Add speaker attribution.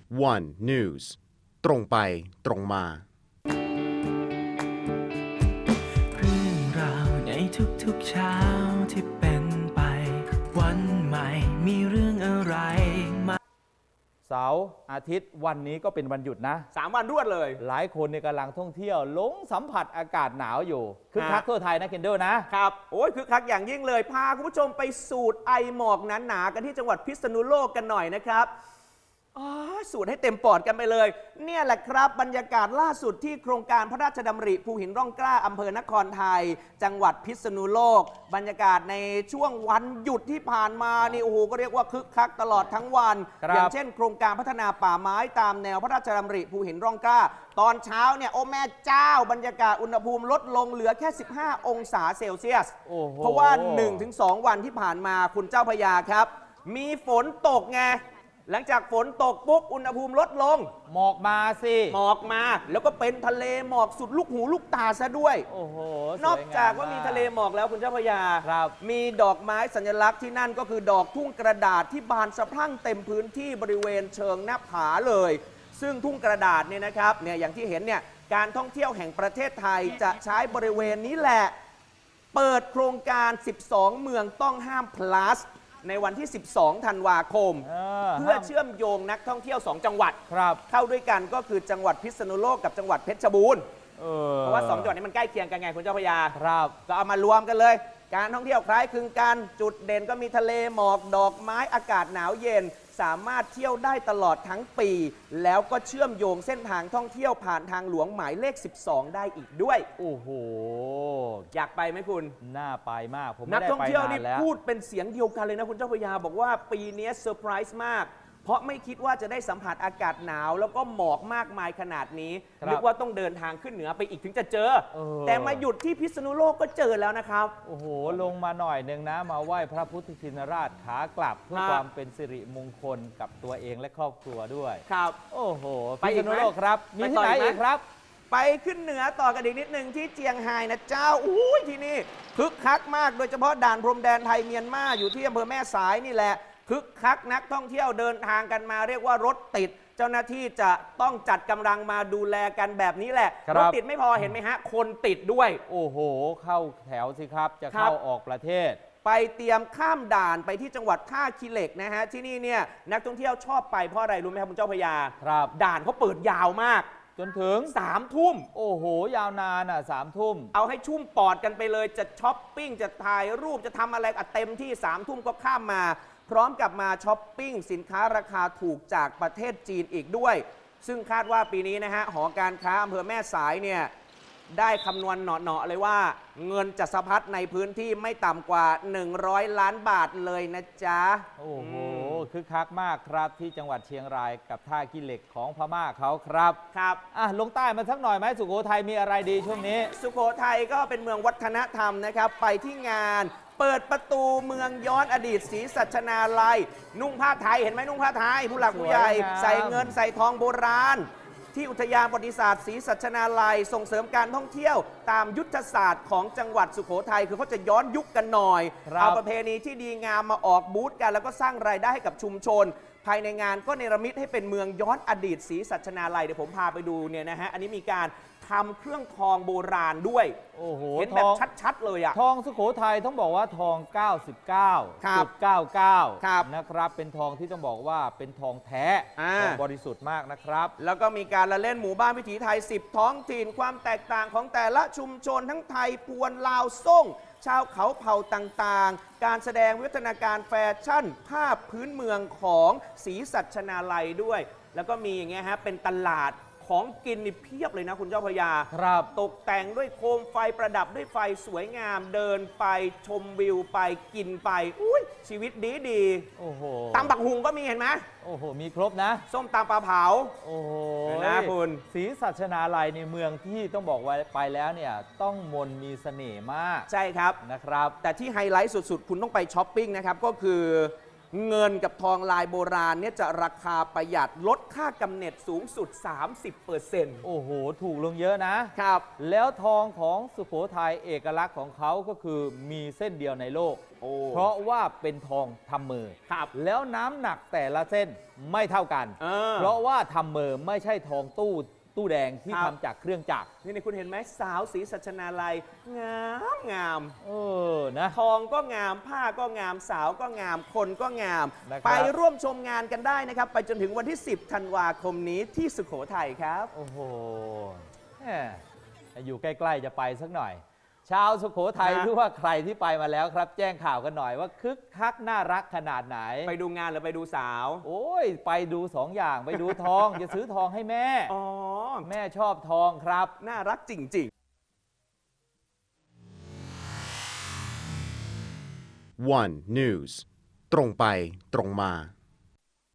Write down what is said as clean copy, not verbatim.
Speaker 1: One News ตรงไปตรงมา
Speaker 2: เรื่องราวในทุกๆเช้าที่เป็นไปวันใหม่มีเรื่องอะไรมา
Speaker 3: เสาร์อาทิตย์วันนี้ก็เป็นวันหยุดนะ
Speaker 4: 3 วันรวดเลย
Speaker 3: หลายคนในกำลังท่องเที่ยวหลงสัมผัสอากาศหนาวอยู่คึกคักทั่วไทยนะเคนเดอร์นะครับ
Speaker 4: โอ้ยคึกคักอย่างยิ่งเลยพาคุณผู้ชมไปสูดไอหมอกหนาๆกันที่จังหวัดพิษณุโลกกันหน่อยนะครับสูดให้เต็มปอดกันไปเลยเนี่ยแหละครับบรรยากาศล่าสุดที่โครงการพระราชดำริภูหินร่องกล้าอำเภอนครไทยจังหวัดพิษณุโลกบรรยากาศในช่วงวันหยุดที่ผ่านมานี่โอ้โหก็เรียกว่าคึกคักตลอดทั้งวันอย่างเช่นโครงการพัฒนาป่าไม้ตามแนวพระราชดำริภูหินร่องกล้าตอนเช้าเนี่ยโอ้แม่เจ้าบรรยากาศอุณหภูมิลดลงเหลือแค่15 องศาเซลเซียสเพราะว่า 1-2 วันที่ผ่านมาคุณเจ้าพระยาครับมีฝนตกไงหลังจากฝนตกปุ๊บอุณหภูมิลดลง
Speaker 3: หมอกมาสิ
Speaker 4: หมอกมาแล้วก็เป็นทะเลหมอกสุดลูกหูลูกตาซะด้วย
Speaker 3: โอ้โห
Speaker 4: นอกจากว่ามีทะเลหมอกแล้วคุณเจ้าพระยามีดอกไม้สัญลักษณ์ที่นั่นก็คือดอกทุ่งกระดาษที่บานสะพรั่งเต็มพื้นที่บริเวณเชิงหน้าผาเลยซึ่งทุ่งกระดาษเนี่ยนะครับเนี่ยอย่างที่เห็นเนี่ยการท่องเที่ยวแห่งประเทศไทยจะใช้บริเวณนี้แหละเปิดโครงการ12 เมืองต้องห้าม plusในวันที่ 12 ธันวาคมเพื่อเชื่อมโยงนักท่องเที่ยว 2 จังหวัดเข้าด้วยกันก็คือจังหวัดพิษณุโลกกับจังหวัดเพชรบูรณ์เพราะว่า2จังหวัดนี้มันใกล้เคียงกันไงคุณเจ้าพระยาก็เอามารวมกันเลยการท่องเที่ยวคล้ายคลึงกันจุดเด่นก็มีทะเลหมอกดอกไม้อากาศหนาวเย็นสามารถเที่ยวได้ตลอดทั้งปีแล้วก็เชื่อมโยงเส้นทางท่องเที่ยวผ่านทางหลวงหมายเลข 12 ได้อีกด้วย
Speaker 3: โอ้โห
Speaker 4: อยากไปไหมคุณ
Speaker 3: น่าไปมากผม
Speaker 4: นักท่องเที่ยวนี่พูดเป็นเสียงเดียวกันเลยนะคุณเจ้าพระยาบอกว่าปีนี้เซอร์ไพรส์มากเพราะไม่คิดว่าจะได้สัมผัสอากาศหนาวแล้วก็หมอกมากมายขนาดนี้นึกว่าต้องเดินทางขึ้นเหนือไปอีกถึงจะเจอแต่มาหยุดที่พิษณุโลกก็เจอแล้วนะครับ
Speaker 3: โอ้โหลงมาหน่อยนึงนะมาไหว้พระพุทธชินราชขากลับเพื่อความเป็นสิริมงคลกับตัวเองและครอบครัวด้วย
Speaker 4: ครับ
Speaker 3: โอ้โหพิษณุโลกครับมีที่ไหนอีกครับ
Speaker 4: ไปขึ้นเหนือต่อกันอีกนิดนึงที่เจียงไฮ้นะเจ้าอุ้ยที่นี่คึกคักมากโดยเฉพาะด่านพรมแดนไทยเมียนมาอยู่ที่อำเภอแม่สายนี่แหละคึกคักนักท่องเที่ยวเดินทางกันมาเรียกว่ารถติดเจ้าหน้าที่จะต้องจัดกำลังมาดูแลกันแบบนี้แหละรถติดไม่พอเห็นไหมฮะคนติดด้วย
Speaker 3: โอ้โหเข้าแถวสิครับจะเข้าออกประเทศ
Speaker 4: ไปเตรียมข้ามด่านไปที่จังหวัดท่าขี้เหล็กนะฮะที่นี่เนี่ยนักท่องเที่ยวชอบไปเพราะอะไรรู้ไหมครับคุณเจ้าพระยาด่านเขาเปิดยาวมาก
Speaker 3: จนถึง
Speaker 4: 3 ทุ่ม
Speaker 3: โอ้โหยาวนานอ่ะ3 ทุ่ม
Speaker 4: เอาให้ชุ่มปอดกันไปเลยจะช้อปปิ้งจะถ่ายรูปจะทำอะไรเต็มที่3 ทุ่มก็ข้ามมาพร้อมกับมาช้อปปิ้งสินค้าราคาถูกจากประเทศจีนอีกด้วยซึ่งคาดว่าปีนี้นะฮะหอการค้าอำเภอแม่สายเนี่ยได้คำนวณเหนาะๆเลยว่าเงินจะสะพัดในพื้นที่ไม่ต่ำกว่า100 ล้านบาทเลยนะจ๊ะ
Speaker 3: โอ้โหคึกคักมากครับที่จังหวัดเชียงรายกับท่าขี้เหล็กของพม่าเขาครับลงใต้มาสักหน่อยไหมสุโขทัยมีอะไรดีช่วงนี้
Speaker 4: สุโขทัยก็เป็นเมืองวัฒนธรรมนะครับไปที่งานเปิดประตูเมืองย้อนอดีตศรีสัชนาลัยนุ่งผ้าไทยเห็นไหมนุ่งผ้าไทยผู้หลักผู้ใหญ่ใส่เงินใส่ทองโบราณที่อุทยานประวัติศาสตร์ศรีสัชนาลัยส่งเสริมการท่องเที่ยวตามยุทธศาสตร์ของจังหวัดสุโขทัยคือเขาจะย้อนยุคกันหน่อยเอาประเพณีที่ดีงามมาออกบูธกันแล้วก็สร้างรายได้ให้กับชุมชนภายในงานก็เนรมิตให้เป็นเมืองย้อนอดีตศรีสัชนาลัยเดี๋ยวผมพาไปดูเนี่ยนะฮะอันนี้มีการทำเครื่องทองโบราณด้วย
Speaker 3: โอ้โห
Speaker 4: เห็นแบบชัดๆเลยอะ
Speaker 3: ทองสุโขทัยต้องบอกว่าทอง 99.99 นะครับเป็นทองที่ต้องบอกว่าเป็นทองแท้ทองบริสุทธิ์มากนะครับ
Speaker 4: แล้วก็มีการละเล่นหมู่บ้านวิถีไทย10 ท้องถิ่นความแตกต่างของแต่ละชุมชนทั้งไทยพวนลาวซ่งชาวเขาเผ่าต่างๆการแสดงวิวัฒนาการแฟชั่นภาพพื้นเมืองของศรีสัชนาลัยด้วยแล้วก็มีอย่างเงี้ยฮะเป็นตลาดของกินนี่เพียบเลยนะคุณเจ้าพระยาตกแต่งด้วยโคมไฟประดับด้วยไฟสวยงามเดินไปชมวิวไปกินไปอุ้ยชีวิตดี
Speaker 3: โอ้โห
Speaker 4: ตำบักหุงก็มีเห็นไหม
Speaker 3: โอ้โหมีครบนะ
Speaker 4: ส้มตำปลาเผา
Speaker 3: โอ้โห
Speaker 4: นะคุณ
Speaker 3: ศรีสัชนาลัยในเมืองที่ต้องบอกว่าไปแล้วเนี่ยต้องมนมีเสน่ห์มาก
Speaker 4: ใช่ครับ
Speaker 3: นะครับ
Speaker 4: แต่ที่ไฮไลท์สุดๆคุณต้องไปช้อปปิ้งนะครับก็คือเงินกับทองลายโบราณเนี่ยจะราคาประหยัดลดค่ากำเนิดสูงสุด 30%
Speaker 3: โอ้โห ถูกลงเยอะนะ
Speaker 4: ครับ
Speaker 3: แล้วทองของสุโขทัยเอกลักษณ์ของเขาก็คือมีเส้นเดียวในโลก
Speaker 4: โอ้
Speaker 3: เพราะว่าเป็นทองทำมือ
Speaker 4: ครับ
Speaker 3: แล้วน้ำหนักแต่ละเส้นไม่เท่ากัน เพราะว่าทำมือไม่ใช่ทองตู้แดงที่
Speaker 4: ครับ
Speaker 3: ทำจากเครื่องจักร
Speaker 4: นี่คุณเห็นไหมสาวสีสัชนาลัยงามงาม
Speaker 3: นะ
Speaker 4: ทองก็งามผ้าก็งามสาวก็งามคนก็งาม
Speaker 3: นะครับ
Speaker 4: ไปร่วมชมงานกันได้นะครับ ไปจนถึงวันที่ 10 ธันวาคมนี้ที่สุโขทัยครับ
Speaker 3: โอ้โหแหมอยู่ใกล้ๆจะไปสักหน่อย ชาวสุโขทัย
Speaker 4: ฮะ
Speaker 3: หรือว่าใครที่ไปมาแล้วครับ แจ้งข่าวกันหน่อยว่าคึกคักน่ารักขนาดไหน
Speaker 4: ไปดูงานหรือไปดูสาว
Speaker 3: โอ้ย ไปดูสองอย่างไปดูทอง จะซื้อทองให้แม่
Speaker 4: อ๋อ
Speaker 3: แม่ชอบทองครับ
Speaker 4: น่ารักจริง ๆ
Speaker 1: One News ตรงไปตรงมา